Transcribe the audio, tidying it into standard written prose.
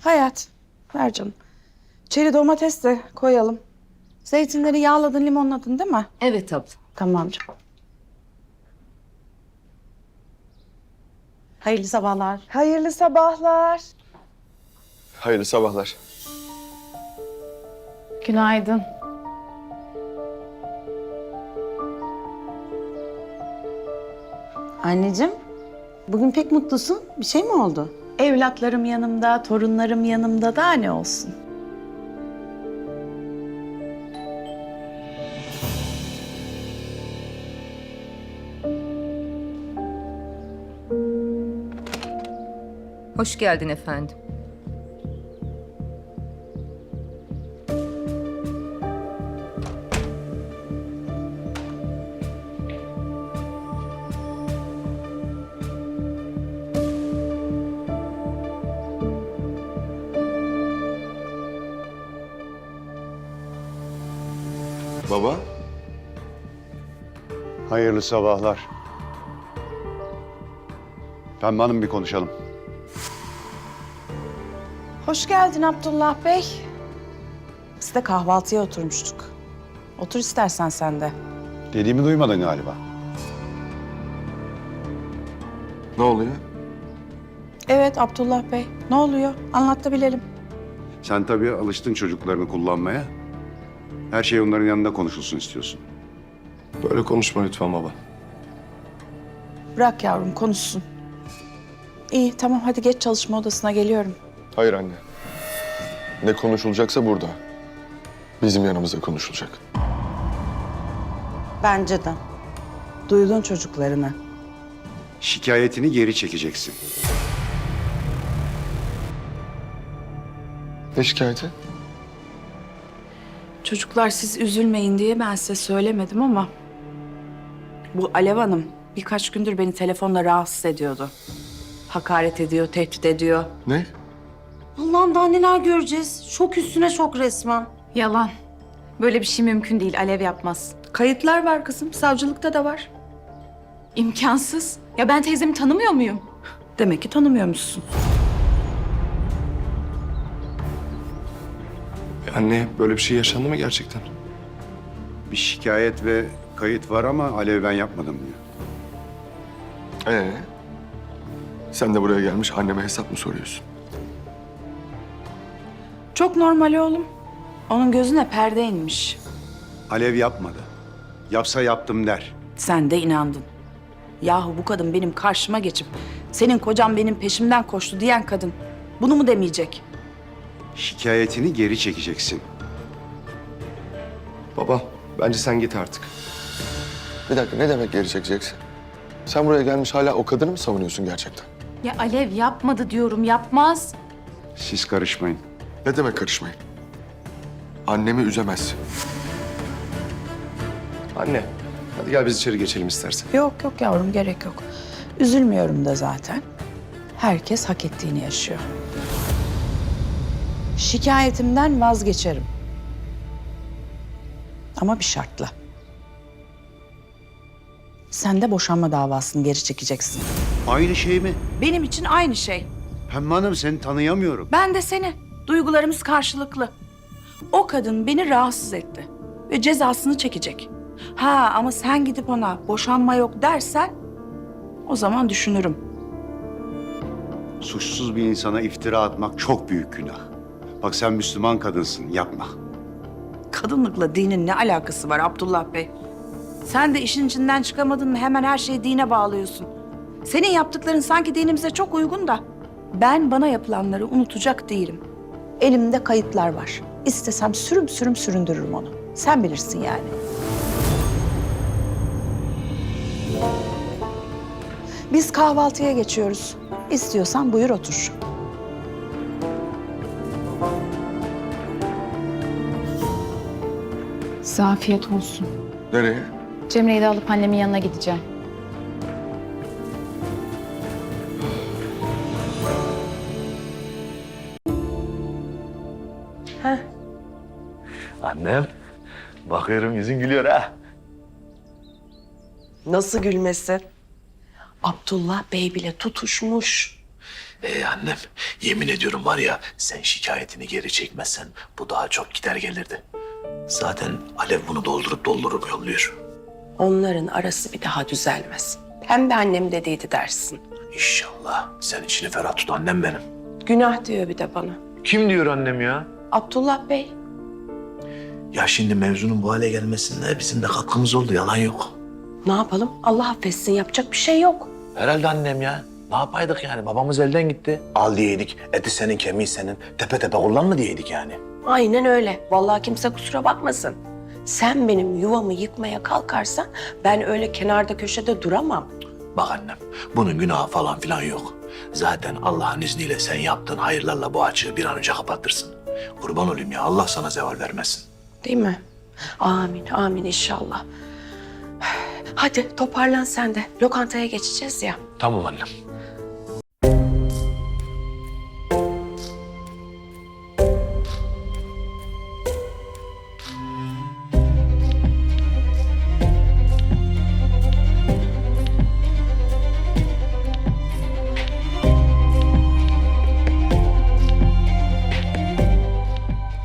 Hayat, ver canım. Çeri domates de koyalım. Zeytinleri yağladın, limonladın değil mi? Evet abla. Tamam canım. Hayırlı sabahlar. Hayırlı sabahlar. Hayırlı sabahlar. Günaydın. Anneciğim, bugün pek mutlusun. Bir şey mi oldu? Evlatlarım yanımda, torunlarım yanımda, daha ne olsun? Hoş geldin efendim. Baba, Hayırlı sabahlar. Pembe Hanım, bir konuşalım. Hoş geldin Abdullah Bey. Biz de kahvaltıya oturmuştuk. Otur istersen sen de. Dediğimi duymadın galiba. ne oluyor? Evet Abdullah Bey, ne oluyor? Anlat da bilelim. Sen tabii alıştın çocuklarını kullanmaya. Her şey onların yanında konuşulsun istiyorsun. Böyle konuşma lütfen baba. Bırak yavrum, konuşsun. İyi, tamam hadi geç çalışma odasına, geliyorum. Hayır anne. Ne konuşulacaksa burada. Bizim yanımızda konuşulacak. Bence de. Duydun çocuklarını. Şikayetini geri çekeceksin. Ne şikayeti? Çocuklar siz üzülmeyin diye ben size söylemedim ama... Bu Alev Hanım birkaç gündür beni telefonla rahatsız ediyordu. Hakaret ediyor, tehdit ediyor. Ne? Allah'ım daha neler göreceğiz. Şok üstüne şok resmen. Yalan. Böyle bir şey mümkün değil. Alev yapmaz. Kayıtlar var kızım, savcılıkta da var. İmkansız. Ya ben teyzemi tanımıyor muyum? Demek ki tanımıyormuşsun. Anne, böyle bir şey yaşandı mı gerçekten? Bir şikayet ve kayıt var ama Alev ben yapmadım diyor. Sen de buraya gelmiş anneme hesap mı soruyorsun? Çok normal oğlum. Onun gözüne perde inmiş. Alev yapmadı. Yapsa yaptım der. Sen de inandın. Yahu bu kadın benim karşıma geçip... ...senin kocan benim peşimden koştu diyen kadın... ...bunu mu demeyecek? Şikayetini geri çekeceksin. Baba, bence sen git artık. Bir dakika, ne demek geri çekeceksin? Sen buraya gelmiş hala o kadını mı savunuyorsun gerçekten? Ya Alev yapmadı diyorum. Yapmaz. Siz karışmayın. Ne demek karışmayın? Annemi üzemezsin. Anne, hadi gel biz içeri geçelim istersen. Yok yok yavrum, gerek yok. Üzülmüyorum da zaten. Herkes hak ettiğini yaşıyor. Şikayetimden vazgeçerim. Ama bir şartla. Sen de boşanma davasını geri çekeceksin. Aynı şey mi? Benim için aynı şey. Pembe Hanım, seni tanıyamıyorum. Ben de seni. Duygularımız karşılıklı. O kadın beni rahatsız etti. Ve cezasını çekecek. Ha ama sen gidip ona boşanma yok dersen... ...o zaman düşünürüm. Suçsuz bir insana iftira atmak çok büyük günah. Bak sen Müslüman kadınsın, yapma. Kadınlıkla dinin ne alakası var Abdullah Bey? Sen de işin içinden çıkamadın mı hemen her şeyi dine bağlıyorsun. Senin yaptıkların sanki dinimize çok uygun da... ...ben bana yapılanları unutacak değilim. Elimde kayıtlar var. İstesem sürüm sürüm süründürürüm onu. Sen bilirsin yani. Biz kahvaltıya geçiyoruz. İstiyorsan buyur otur. Size afiyet olsun. Nereye? Cemre'yi de alıp annemin yanına gideceğim. Annem, bakıyorum yüzün gülüyor ha. Nasıl gülmesi? Abdullah Bey bile tutuşmuş. Annem, yemin ediyorum var ya, sen şikayetini geri çekmezsen bu daha çok gider gelirdi. Zaten Alev bunu doldurup yolluyor. Onların arası bir daha düzelmez. Pembe annem dediydi dersin. İnşallah. Sen içini ferah tut annem benim. Günah diyor bir de bana. Kim diyor annem ya? Abdullah Bey. Ya şimdi mevzunun bu hale gelmesinde bizim de katkımız oldu, yalan yok. Ne yapalım? Allah affetsin, yapacak bir şey yok. Herhalde annem ya. Ne yapaydık yani? Babamız elden gitti. Al diyeydik, eti senin, kemiği senin. Tepe tepe kullanma diyeydik yani. Aynen öyle. Vallahi kimse kusura bakmasın. Sen benim yuvamı yıkmaya kalkarsan ben öyle kenarda köşede duramam. Bak annem, bunun günahı falan filan yok. Zaten Allah'ın izniyle sen yaptığın hayırlarla bu açığı bir an önce kapatırsın. Kurban olayım ya, Allah sana zeval vermesin. Değil mi? Amin, amin inşallah. Hadi toparlan sen de. Lokantaya geçeceğiz ya. Tamam annem.